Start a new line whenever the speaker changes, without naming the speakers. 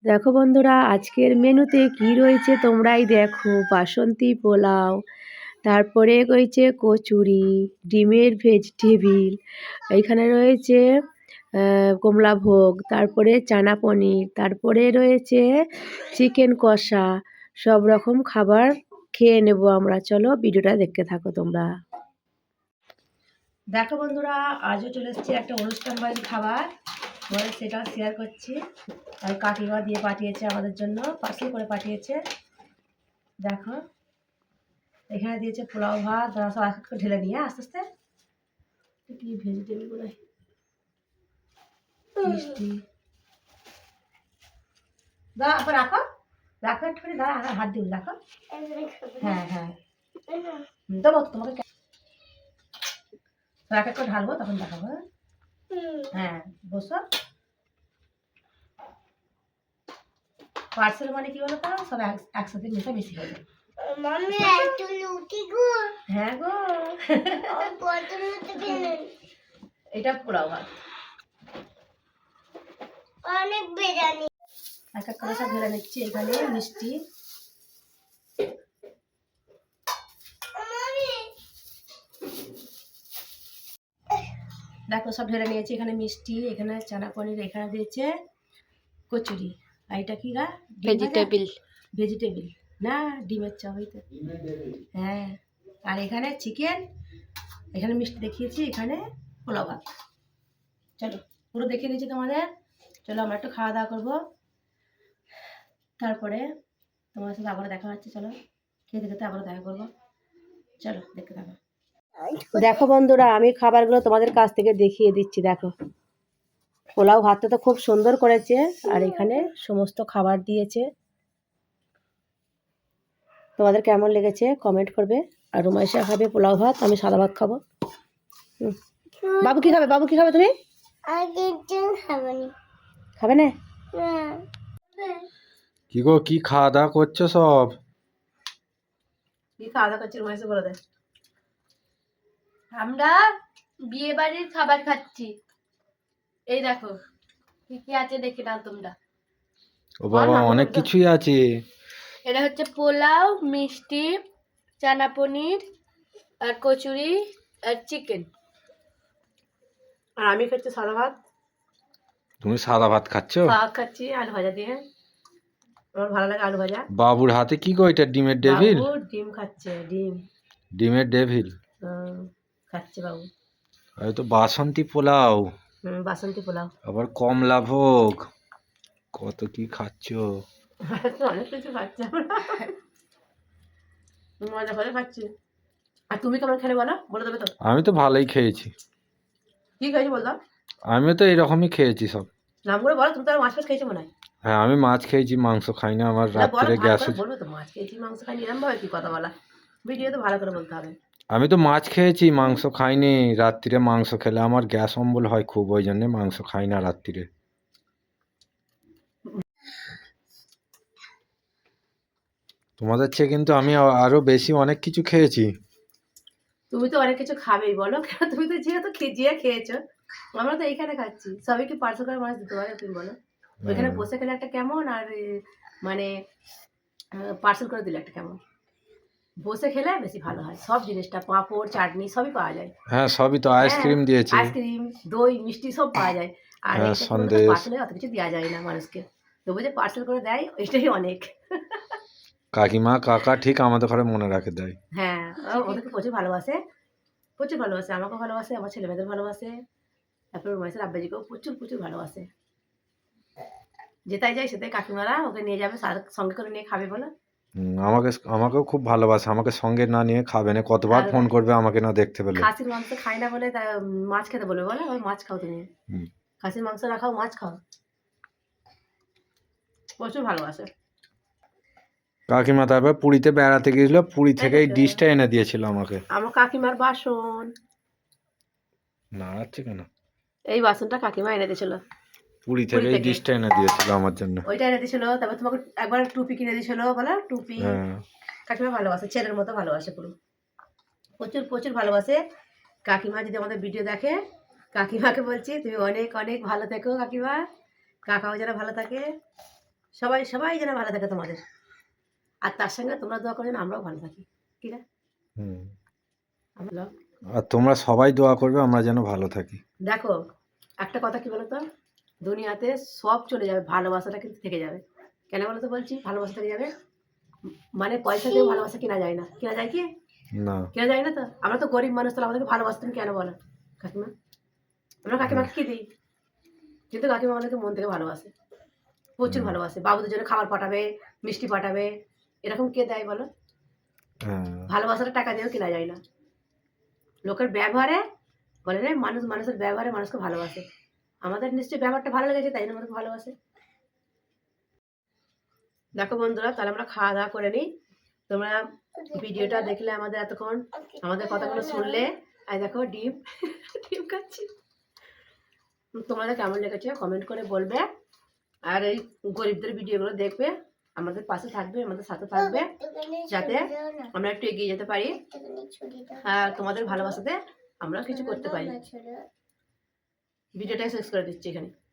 দেখো বন্ধুরা, আজকের মেনুতে কি রয়েছে তোমরাই দেখো। বাসন্তী পোলাও, তারপরে রয়েছে কচুরি, ডিমের ভেজিটেবিল, এইখানে রয়েছে কমলা ভোগ, তারপরে চানা পনির, তারপরে রয়েছে চিকেন কষা। সব রকম খাবার খেয়ে নেব আমরা। চলো ভিডিওটা দেখতে থাকো তোমরা। দেখো বন্ধুরা, আজও চলে এসেছি একটা অনুষ্ঠান বাড়ির খাবার, বলে সেটা শেয়ার করছি। আর কাকিমা দিয়ে পাঠিয়েছে আমাদের জন্য, পার্সেল করে পাঠিয়েছে। দেখো এখানে দিয়েছে পোলাও ভাত, সব এক ঢেলে নিয়ে আস্তে আস্তে কি ভেজিটেবিল গুলো, মিষ্টি। দাঁড়া আবার রাখো, রাখো একটুখানি, দাঁড়া হাত দিন, রাখো। হ্যাঁ হ্যাঁ দেবো তোমাকে, এক এক করে ঢালবো, তখন দেখাবো। হ্যাঁ বসো। পার্সেল মানে কি বলো তো, সব একসাথে মিশে মিশি হয়ে যায়। হ্যাঁ গো, এটা পোলাও ভাত, অনেক বিরিয়ানি। এক এক করে সব ঢেলে নিচ্ছি। এখানে মিষ্টি, দেখো সব ঢেলে নিয়েছি। এখানে মিষ্টি, এখানে চানা পনির, এখানে দিয়েছে কচুরি, আর এটা কি গা, ভেজিটেবিল। ভেজিটেবিল না, ডিমের চপ হইতে। হ্যাঁ, আর এখানে চিকেন, এখানে মিষ্টি দেখিয়েছি, এখানে পোলাও ভাত। চলো পুরো দেখিয়ে দিচ্ছি তোমাদের। চলো আমরা একটু খাওয়া দাওয়া করবো, তারপরে তোমার সাথে আবারও দেখা হচ্ছে। চলো খেতে খেতে আবারও দেখা করবো। চলো দেখতে থাকো। দেখো বন্ধুরা, আমি খাবারগুলো তোমাদের কাছ থেকে দেখিয়ে দিচ্ছি। দেখো পোলাও ভাতটা তো খুব সুন্দর করেছে, আর এখানে সমস্ত খাবার দিয়েছে। তোমাদের কেমন লেগেছে কমেন্ট করবে। আর রুমাইশা খাবে পোলাও ভাত, আমি সাদা ভাত খাবো। বাবু কি খাবে? বাবু কি খাবে? তুমি খাবে না?
কি গো, কি খাওয়া দাওয়া করছো সব?
কি খাওয়া দাওয়া করছি রুমাইশা বলে দেয়।
আমরা বিয়ে বাড়ির খাবার খাচ্ছি। এই দেখো কি কি আছে, দেখে নাও তোমরা।
ও বাবা, অনেক কিছুই আছে।
এটা হচ্ছে পোলাও, মিষ্টি, চানা পনির, আর কচুরি, আর চিকেন।
আর আমি খাচ্ছি সাদা ভাত।
তুমি সাদা ভাত খাচ্ছো?
শাক খাচ্ছি আলু ভাজা দিয়ে, আমার ভালো লাগে আলু ভাজা।
বাবুর হাতে কি গো এটা? ডিমের ডেভিল?
বাবু ডিম খাচ্ছে, ডিম।
ডিমের ডেভিল
খাচ্ছে বাবু।
আর তো বাসন্তী পোলাও,
বাসন্তী পোলাও,
আবার কমলা ভোগ, কত কি খাচ্ছো।
অনেক কিছু খাচ্ছে, মজা করে খাচ্ছি। আর তুমি কেমন খেলে বলো, বলে দেবে তো?
আমি তো ভালোই খেয়েছি।
কি খেয়েছি বললাম?
আমিও তো এরকমই খেয়েছি সব।
নামগুলো বলো, তুমি তো আর মাছ ফাছ খেয়েছো মনে হয়।
হ্যাঁ, আমি মাছ খেয়েছি, মাংস খাই না। আমার
না বলো,
রাত্রে
ভালো
গ্যাস
করে বলবে তো, মাছ খেয়েছি মাংস খাইনি, এরকম ভাবে কি কথা বলা। ভিডিও তো ভালো করে বলতে হবে।
আমি তো মাছ খেয়েছি, মাংস খাইনি। রাত্রিরে মাংস খেলে আমার গ্যাস অম্বল হয় খুব, ওই জন্য মাংস খাই না রাত্রিরে। তোমাদের চেয়ে কিন্তু আমি আরো বেশি অনেক কিছু খেয়েছি।
তুমি তো অনেক কিছু খাবেই, বলো কেন? তুমি তো যেহেতু জিয়া খেয়েছো, আমরা তো এইখানে খাচ্ছি। সবাই কি পার্সেল করে মাছ দিতে পারে? তুমি বলো। ওইখানে বসে খেলে একটা কেমন, আর মানে পার্সেল করে দিলে একটা কেমন। বসে খেলে বেশি ভালো হয়, সব জিনিসটা পাঁপড় চাটনি সবই পাওয়া যায়।
হ্যাঁ, সবই তো। আইসক্রিম দিয়েছে,
আইসক্রিম, দই, মিষ্টি সব পাওয়া যায়। আর
হ্যাঁ,
এটা
সন্দেশ।
পার্সেলে অত কিছু দেওয়া যায় না মানুষকে, তবু যে পার্সেল করে দেয় এটাই অনেক।
কাকিমা কাকা ঠিক আমাদের ঘরে মনে রাখে দেয়।
হ্যাঁ, ওদেরকে প্রচুর ভালোবাসে, প্রচুর ভালোবাসে। আমাকেও ভালোবাসে, আমার ছেলে মেয়েদের ভালোবাসে, তারপর রুমাইসের আব্বাজিকেও প্রচুর প্রচুর ভালোবাসে। যেটাই যায় সেটাই কাকিমারা ওকে নিয়ে যাবে, সঙ্গে করে নিয়ে খাবে বলো।
আমাকেও খুব ভালোবাসে। আমাকে সঙ্গে না নিয়ে খাবে না, কতবার ফোন করবে আমাকে না দেখতে পেলে।
খাসির মাংস খাই না বলে মাছ খেতে বলবে, বলো ওই মাছ খাও তুমি। খাসির মাংস না খাও, মাছ খাও। প্রচুর ভালোবাসে
কাকিমা। তারপর পুরীতে বেড়াতে গিয়েছিল, পুরী থেকে এই ডিশটা এনে দিয়েছিল আমাকে।
আমার কাকিমার বাসন।
নাড়াচ্ছে কেন?
এই বাসনটা কাকিমা এনে দিয়েছিল,
পুরী থেকে এই ডিশটা এনে দিয়েছিল আমার জন্য।
ওইটা এনে দিয়েছিল। তারপর তোমাকে একবার টুপি কিনে দিয়েছিল, বলো টুপি। কাকিমা ভালোবাসে, ছেলের মতো ভালোবাসে পুরো, প্রচুর প্রচুর ভালোবাসে। কাকিমা যদি আমাদের ভিডিও দেখে, কাকিমাকে বলছি তুমি অনেক অনেক ভালো থেকো কাকিমা, কাকাও যেন ভালো থাকে, সবাই সবাই যেন ভালো থাকে তোমাদের, আর তার সঙ্গে তোমরা দোয়া করো যেন আমরাও ভালো থাকি, ঠিক আছে?
হুম।
আমরা
আর তোমরা সবাই দোয়া করবে আমরা যেন ভালো থাকি।
দেখো একটা কথা কি বলতো, দুনিয়াতে সব চলে যাবে, ভালোবাসাটা কিন্তু থেকে যাবে। কেন বলো তো বলছি ভালোবাসা থেকে যাবে? মানে পয়সা দিয়ে ভালোবাসা কেনা যায় না, কেনা যায় কি?
না।
কেনা যায় না তো। আমরা তো গরিব মানুষ, তাহলে আমাদেরকে ভালোবাসা তুমি কেন বলো কাকিমা? আমরা কাকিমাকে কি দিই? কিন্তু কাকিমা আমাদেরকে মন থেকে ভালোবাসে, প্রচুর
হুম।
ভালোবাসে। বাবুদের জন্য খাবার পাঠাবে, মিষ্টি পাঠাবে, এরকম কে দেয় বলো?
হ্যাঁ।
ভালোবাসাটা টাকা দিয়েও কেনা যায় না। লোকের ব্যবহারে বলে না, মানুষ মানুষের ব্যবহারে মানুষকে ভালোবাসে। আমাদের নিশ্চয়ই ব্যবহারটা ভালো লেগেছে, তাই জন্য আমাদেরকে ভালোবাসে। দেখো বন্ধুরা, তাহলে আমরা খাওয়া দাওয়া করে নিই। তোমরা ভিডিওটা দেখলে, আমাদের এতক্ষণ আমাদের কথাগুলো শুনলে, আর দেখো ডিম ডিম খাচ্ছি। তোমাদের কেমন লেগেছে কমেন্ট করে বলবে, আর এই গরিবদের ভিডিওগুলো দেখবে, আমাদের পাশে থাকবে, আমাদের সাথে থাকবে, যাতে আমরা একটু এগিয়ে যেতে পারি, আর তোমাদের ভালোবাসাতে আমরা কিছু করতে পারি। ভিডিওটা শেষ করে দিচ্ছি এখানে।